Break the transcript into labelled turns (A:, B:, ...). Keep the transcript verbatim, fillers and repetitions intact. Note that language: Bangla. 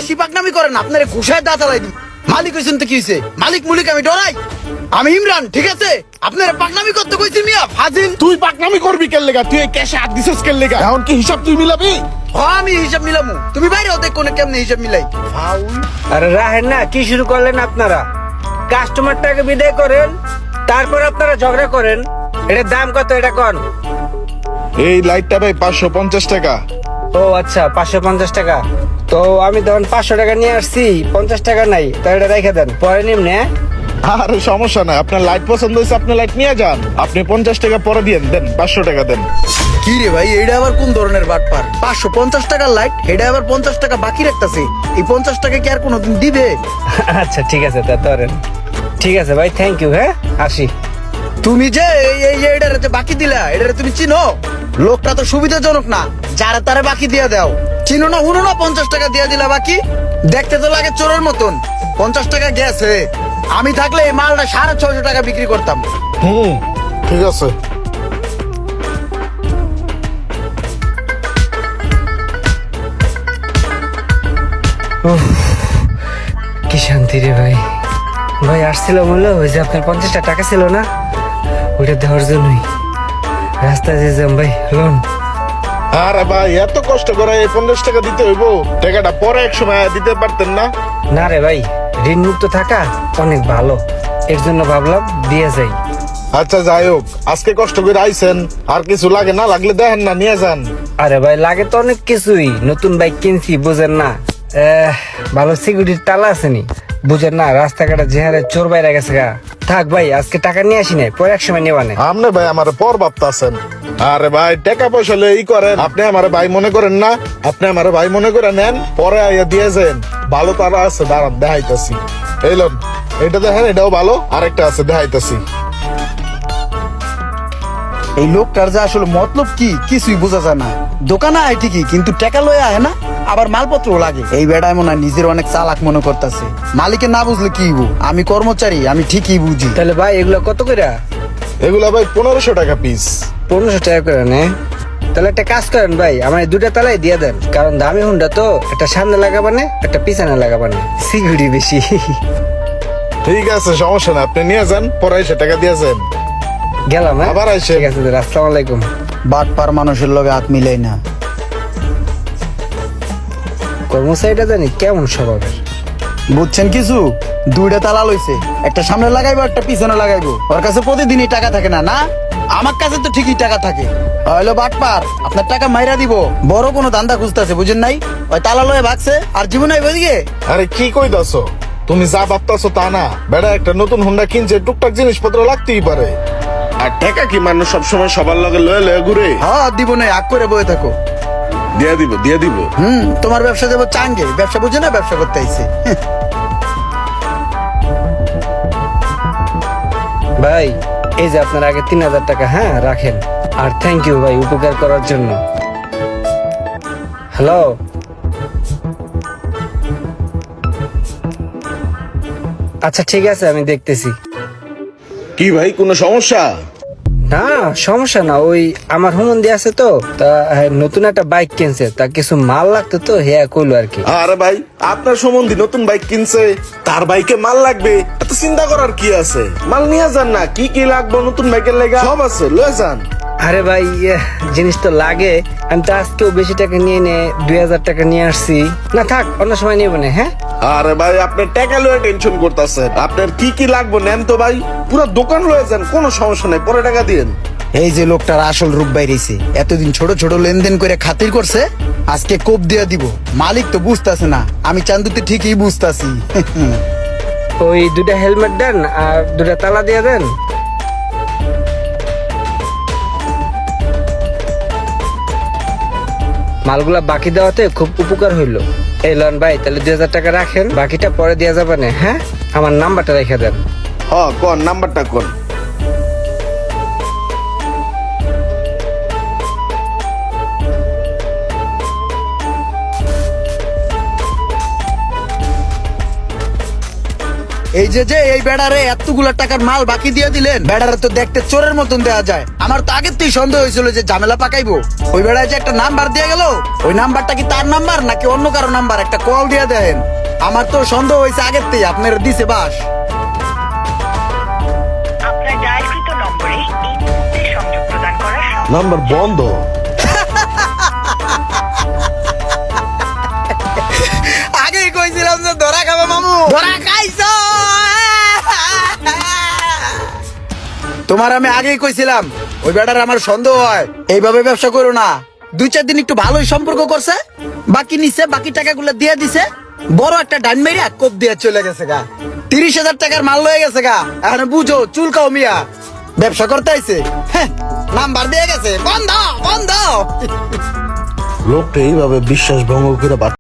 A: বেশি পাকনামি করেন আপনারে ঘুষায় দাঁত আলাই দিই। মালিক হইছেন তো কি হইছে? মালিক মুলিক আমি ডরাই? আমি ইমরান, ঠিক আছে? আপনারা পাকনামি করতে কইছি মিয়া ফাজিল।
B: তুই পাকনামি করবি কেন লেগা? তুই এই ক্যাশে হাত দিছিস কেন লেগা? এখন কি হিসাব তুই মিলাবি?
A: হ্যাঁ আমি হিসাব মিলামু, তুমি বাইরে হতে কোনে কেমনে হিসাব মিলাই? ফাউল।
C: আরে রাহেন না, কি শুরু করলেন আপনারা? কাস্টমারটাকে বিদায় করেন, তারপর আপনারা ঝগড়া করেন। এটার দাম কত এটা কোন?
B: এই লাইটটা ভাই পাঁচশো পঞ্চাশ টাকা।
C: ও আচ্ছা, পাঁচশো পঞ্চাশ টাকা। তো আমি তখন পাঁচশো টাকা নিয়ে আসছি, পঞ্চাশ টাকা নাই, তো এটা রেখে দেন, পরে নিমনে।
B: আরে সমস্যা নাই, আপনার লাইট পছন্দ হয়েছে আপনি লাইট নিয়ে যান। আপনি পঞ্চাশ টাকা পরে দিয়েন, দেন পাঁচশো টাকা দেন।
A: কি রে ভাই, এটা আবার কোন ধরনের বাটপার? পাঁচশো পঞ্চাশ টাকার লাইট, এটা আবার পঞ্চাশ টাকা বাকি রাখতেছে। এই পঞ্চাশ টাকা কি আর কোনোদিন দিবে?
C: আচ্ছা ঠিক আছে, তা ধরেন। ঠিক আছে ভাই, থ্যাংক ইউ। হ্যাঁ আসি।
A: তুমি যে এই এই যে এটারে যে বাকি দিলা, এটারে তুমি চিনো? লোকটা তো সুবিধাজনক না, যারা তারা বাকি দিয়ে দাও। চিনো না হুনো না, পঞ্চাশ টাকা দিয়ে দিলা বাকি। দেখতে তো লাগে চোরের মতন। পঞ্চাশ টাকা গেছে, আমি থাকলে এই মালটা সাড়ে ছয়শো টাকা বিক্রি করতাম।
B: হুম ঠিক আছে।
C: কি শান্তি রে ভাই। ভাই আসছিল বললো, ওই যে আপনার পঞ্চাশটা টাকা ছিল না, ওইটা দেওয়ার জন্যই রাস্তায় যে যাম ভাই লোন।
B: আরে ভাই এত কষ্ট করে এই পঞ্চাশ টাকা দিতে হইব? টাকাটা পরে এক সময় দিতে পারতেন না?
C: না রে ভাই, ঋণ মুক্ত থাকা অনেক ভালো, এর জন্য ভাবলাম দিয়ে যাই।
B: আচ্ছা যাই হোক, আজকে কষ্ট করে আইছেন, আর কিছু লাগে না লাগলে দেখেন না নিয়ে যান।
C: আরে ভাই লাগে তো অনেক কিছুই, নতুন বাইক কিনছি বুঝেন না। আহ, ভালো সিকিউরিটির তালা আসেনি বুঝেন না, রাস্তাঘাটে যে হারে চোর বাইরে গেছে গা। থাক ভাই, আজকে টাকা নিয়ে আসি নাই, পরে এক সময় নেওয়া নেই।
B: আপনি ভাই আমার পর ভাবতাছেন। আরে ভাই টাকা পয়সা হলে ই করেন, আপনি আমার ভাই মনে করেন না? আপনি আমার ভাই মনে করে নেন, পরে আইয়া দিয়ে যান। ভালো তারা আছে, দাঁড়ান দেখাইতাছি। এই লোন এটা দেখেন, এটাও ভালো, আরেকটা আছে দেখাইতাছি।
A: এই লোকটার যে আসলে মতলব কি কিছুই বোঝা যায় না। দোকানে আয় ঠিকই, কিন্তু টাকা লয়ে আয় না, আবার মালপত্র লাগে। এই বেড়ায় মনে হয় নিজের অনেক চালাক মনে করতেছে। মালিকে না বুঝলে কি হইব? আমি কর্মচারী, আমি ঠিকই বুঝি।
C: তাহলে ভাই এগুলো কত করে?
B: এগুলা ভাই পনেরোশো টাকা পিস।
C: পনেরোশো টাকা করে নে। তাহলে একটা কাজ করেন ভাই, আমার এই দুটা তালাই দিয়ে দেন, কারণ দামি হুন্ডা তো, একটা সামনে লাগাবানে একটা পিছনে লাগাবানে, সিকিউরিটি বেশি।
B: ঠিক আছে সমস্যা না, আপনি নিয়ে যান, পরে এসে টাকা দিয়ে যান।
C: গেলাম হ্যাঁ,
B: আবার আইসেন।
C: ঠিক আছে, আসসালামু আলাইকুম।
A: বাটপার মানুষের লগে হাত মিলাই না।
C: কর্মচারীটা জানি কেমন স্বভাবের।
A: বুঝছেন কিছু? দুইটা তালা লইছে, একটা সামনে লাগাইবো একটা পিছনে লাগাইবো। ওর কাছে প্রতিদিনই টাকা থাকে না না? আমার কাছে তো ঠিকই টাকা থাকে। হইলো বাটপার, আপনার টাকা মাইরা দিব। বড় কোনো ধান্দা খুঁজতেছে বুঝেন নাই? ওই তালা লয়ে ভাগছে আর জীবন আইব ওইদিকে।
B: আরে কি কইতাছো? তুমি যা ভাবতাছো তা না। বেড়া একটা নতুন হুন্ডা কিনছে, টুকটাক জিনিসপত্র লাগতেই পারে। আর টাকা কি মানুষ সবসময় সবার লগে লয়ে লয়ে ঘুরে?
A: হ্যাঁ দিব না, আগ করে বয়ে থাকো।
B: দিয়ে দিব দিয়ে দিব।
A: হুম, তোমার ব্যবসা দেবো চাঙ্গে, ব্যবসা বুঝে না, ব্যবসা করতে আইছে।
C: ভাই এই যে আপনার আগে তিন হাজার টাকা, হ্যাঁ রাখেন। আর থ্যাংক ইউ ভাই উপকার করার জন্য। হ্যালো, আচ্ছা ঠিক আছে, আমি দেখতেছি।
B: কি ভাই কোনো সমস্যা?
C: না সমস্যা না, ওই আমার হুমন্দি আছে তো, তা হ্যাঁ, নতুন একটা বাইক কিনছে, তা কিছু মাল লাগতো তো, হ্যাঁ কইলো আর কি।
B: আরে ভাই আপনার সম্বন্ধে নতুন বাইক কিনছে, তার বাইকে মাল লাগবে, এত চিন্তা করার কি আছে? মাল নিয়ে যান না, কি কি লাগবে নতুন বাইকের লেগা সব আছে, লয়ে যান।
C: আরে ভাই ইয়ে, জিনিস তো লাগে, আমি তো আজকেও বেশি টাকা নিয়ে নে দুই হাজার টাকা নিয়ে আসছি। না থাক, অন্য সময় নিয়ে না। হ্যাঁ
B: আরে ভাই আপনার টাকা লয়ে টেনশন করতেছেন, আপনার কি কি লাগবে নেন তো ভাই, পুরো দোকান লয়ে যান, কোনো সমস্যা নাই, পরে টাকা দিন।
A: এই যে লোকটার আসল রূপ বাইরেছে, এতদিন ছোট ছোট লেনদেন করে খাতির করছে, আজকে কোপ দিয়া দিব। মালিক তো বুঝতাছে না, আমি চান্দুতে ঠিকই বুঝতাছি।
C: ওই দুটা হেলমেট দেন আর দুটা তালা দিয়ে দেন। মালগুলা বাকি দেওয়াতে খুব উপকার হইলো। এই লন ভাই, তাহলে দুই হাজার টাকা রাখেন, বাকিটা পরে দেওয়া যাবে না। হ্যাঁ আমার নাম্বারটা রেখে দেন।
B: হ্যাঁ কোন নাম্বারটা কোন?
A: এই যে যে এই বেড়ারে এতগুলা টাকার মাল বাকি দিয়ে দিলেন, বেড়ারে তো দেখতে চোরের মতন দেয়া যায়। আমার তো আগের থেকেই সন্দেহ হয়েছিল যে ঝামেলা পাকাইবো। ওই বেড়ায় যে একটা নাম্বার দিয়ে গেল, ওই নাম্বারটা কি তার নাম্বার নাকি অন্য কারো নাম্বার, একটা কল দিয়ে দেন। আমার তো সন্দেহ হয়েছে আগের থেকে, আপনার দিছে বাস।
D: আপনার ডায়ালকৃত নম্বরে এই মুহূর্তে সংযোগ প্রদান করা সম্ভব
B: নাম্বার বন্ধ।
A: আগেই কইছিলাম যে ধরা খাবে মামু, ধরা খাইছো। তোমার আমি আগেই কইছিলাম ওই বেটার আমার সন্দেহ হয়, এইভাবে ব্যবসা করো না। দুই চার দিন একটু ভালোই সম্পর্ক করছে, বাকি নিছে, বাকি টাকাগুলো দিয়ে দিছে, বড় একটা ডাইন মেরিয়া কোপ দিয়ে চলে গেছে গা। তিরিশ হাজার টাকার মাল লয়ে গেছে গা। এখন বুঝো চুলকাও মিয়া, ব্যবসা করতে আইছে। হ্যাঁ, নাম্বার দিয়ে গেছে, বন্ধ বন্ধ।
B: লোকটা এইভাবে বিশ্বাস ভঙ্গ করে